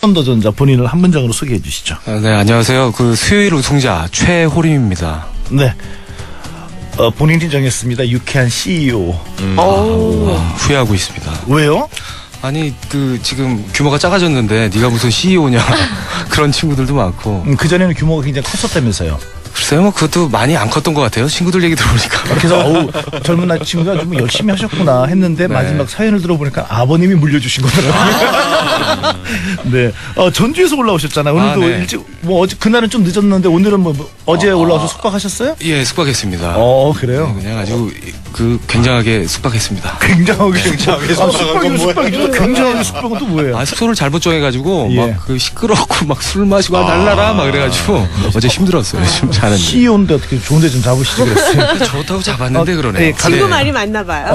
현도전자 본인을 한 문장으로 소개해 주시죠. 네, 안녕하세요. 그 수요일 우승자 최호림입니다. 네. 본인이 정했습니다. 유쾌한 CEO. 후회하고 있습니다. 왜요? 아니 지금 규모가 작아졌는데 네가 무슨 CEO냐 그런 친구들도 많고. 그전에는 규모가 굉장히 컸었다면서요. 글쎄요, 뭐 그것도 많이 안 컸던 것 같아요. 친구들 얘기 들어보니까. 그래서 젊은 날 친구가 좀 열심히 하셨구나 했는데 네. 마지막 사연을 들어보니까 아버님이 물려주신 거더라고요. 네. 전주에서 올라오셨잖아요. 오늘도 네. 일찍 어제 그날은 좀 늦었는데 오늘은 어제 올라와서 숙박하셨어요? 예, 숙박했습니다. 그래요. 네, 그냥 아주 굉장하게 숙박했습니다. 굉장하게 숙박이 굉장하게 숙박은 또 뭐예요? 숙소를 잘못 정해가지고 예. 막 시끄럽고 막 술 마시고 달라라 막 그래가지고 어제 힘들었어요. 좀 자는데. CEO인데 어떻게 좋은데 좀 잡으시지 그랬어요? 좋다고 잡았는데 그러네요. 네, 친구 말이 맞나 봐요.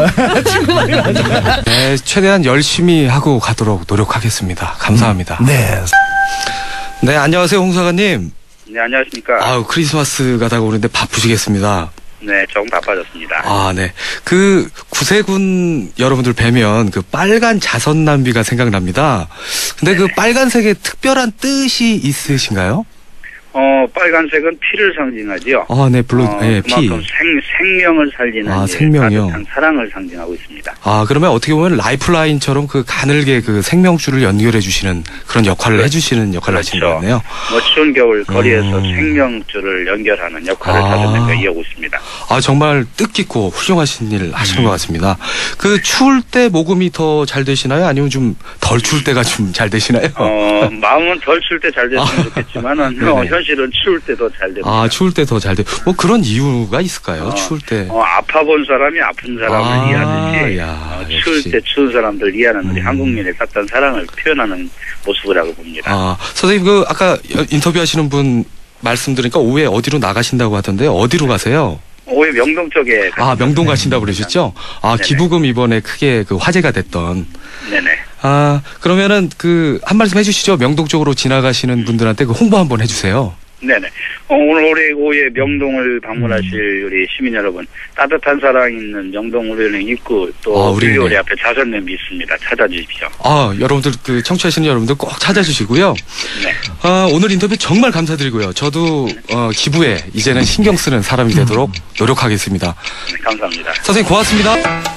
네, 최대한 열심히 하고 가도록 노력하겠습니다. 감사합니다. 네. 네, 안녕하세요, 홍사관님. 네, 안녕하십니까. 크리스마스가 다가오는데 바쁘시겠습니다. 네, 조금 바빠졌습니다. 네. 구세군 여러분들 뵈면 빨간 자선 남비가 생각납니다. 근데 그 빨간색에 특별한 뜻이 있으신가요? 빨간색은 피를 상징하지요. 네, 물론, 피. 그만큼 생명을 살리는 생명이요. 따뜻한 사랑을 상징하고 있습니다. 그러면 어떻게 보면 라이프라인처럼 가늘게 생명줄을 연결해 주시는 그런 역할을 해주시는 역할을 하시는 것 같네요. 추운 겨울 거리에서 생명줄을 연결하는 역할을 다섯 년째 이어오고 있습니다. 정말 뜻깊고 훌륭하신 일 하시는 것 같습니다. 추울 때 모금이 더 잘 되시나요? 아니면 좀 덜 추울 때가 좀 잘 되시나요? 마음은 덜 추울 때 잘 됐으면 좋겠지만은, 현실은 추울 때 더 잘 됩니다. 추울 때 더 잘 돼. 뭐 그런 이유가 있을까요? 추울 때. 아파본 사람이 아픈 사람을 이해하듯이, 추울 때 추운 사람들 이해하는 우리 한국민의 따뜻한 사랑을 표현하는 모습이라고 봅니다. 선생님, 아까 인터뷰하시는 분 말씀 들으니까 오후에 어디로 나가신다고 하던데 어디로 가세요? 오후에 명동 쪽에. 명동 가신다고 그러셨죠? 기부금 이번에 크게 화제가 됐던. 네네. 그러면은 한 말씀 해주시죠. 명동 쪽으로 지나가시는 분들한테 홍보 한번 해주세요. 네네. 오늘 오후에 명동을 방문하실 우리 시민 여러분, 따뜻한 사랑 있는 명동 우리은행 입구 또 우리 앞에 자선냄비 있습니다. 찾아주십시오. 여러분들 청취하시는 여러분들 꼭 찾아주시고요. 네. 오늘 인터뷰 정말 감사드리고요. 저도 기부에 이제는 신경 쓰는 사람이 되도록 노력하겠습니다. 네, 감사합니다. 선생님 고맙습니다.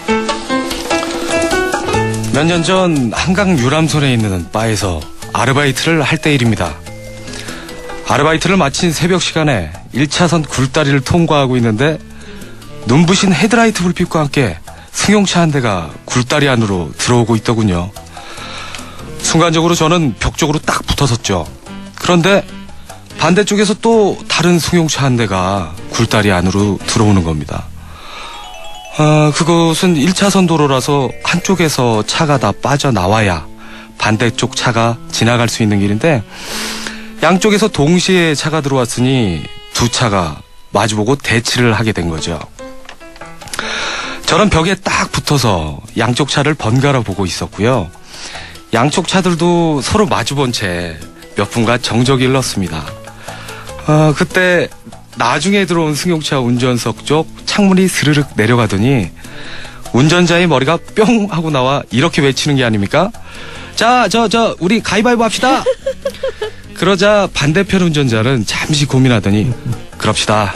몇 년 전 한강 유람선에 있는 바에서 아르바이트를 할 때 일입니다. 아르바이트를 마친 새벽 시간에 1차선 굴다리를 통과하고 있는데 눈부신 헤드라이트 불빛과 함께 승용차 한 대가 굴다리 안으로 들어오고 있더군요. 순간적으로 저는 벽 쪽으로 딱 붙어섰죠. 그런데 반대쪽에서 또 다른 승용차 한 대가 굴다리 안으로 들어오는 겁니다. 그곳은 1차선 도로라서 한쪽에서 차가 다 빠져나와야 반대쪽 차가 지나갈 수 있는 길인데 양쪽에서 동시에 차가 들어왔으니 두 차가 마주보고 대치를 하게 된 거죠. 저는 벽에 딱 붙어서 양쪽 차를 번갈아 보고 있었고요. 양쪽 차들도 서로 마주본 채 몇 분간 정적이 흘렀습니다. 그때 나중에 들어온 승용차 운전석 쪽 창문이 스르륵 내려가더니 운전자의 머리가 뿅 하고 나와 이렇게 외치는 게 아닙니까? 자, 우리 가위바위보 합시다. 그러자 반대편 운전자는 잠시 고민하더니 그럽시다.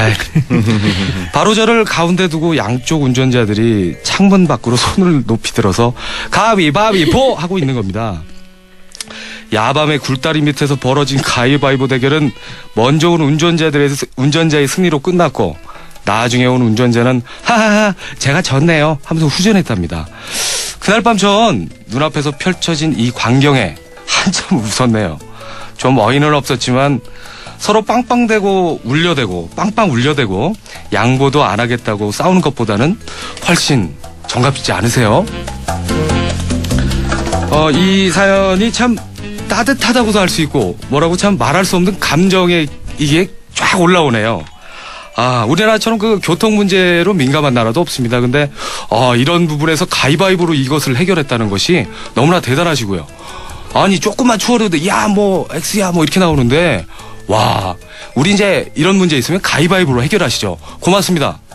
바로 저를 가운데 두고 양쪽 운전자들이 창문 밖으로 손을 높이 들어서 가위바위보 하고 있는 겁니다. 야밤의 굴다리 밑에서 벌어진 가위바위보 대결은 먼저 온 운전자의 승리로 끝났고 나중에 온 운전자는 하하하 제가 졌네요 하면서 후전했답니다. 그날 밤 전 눈앞에서 펼쳐진 이 광경에 한참 웃었네요. 좀 어이는 없었지만 서로 빵빵대고 울려대고 빵빵 울려대고 양보도 안 하겠다고 싸우는 것보다는 훨씬 정갑지 않으세요? 이 사연이 참 따뜻하다고도 할 수 있고 뭐라고 참 말할 수 없는 감정에 이게 쫙 올라오네요. 우리나라처럼 교통 문제로 민감한 나라도 없습니다. 근데 이런 부분에서 가위바위보로 이것을 해결했다는 것이 너무나 대단하시고요. 아니 조금만 추월해도 X야 이렇게 나오는데 와 우리 이제 이런 문제 있으면 가위바위보로 해결하시죠. 고맙습니다.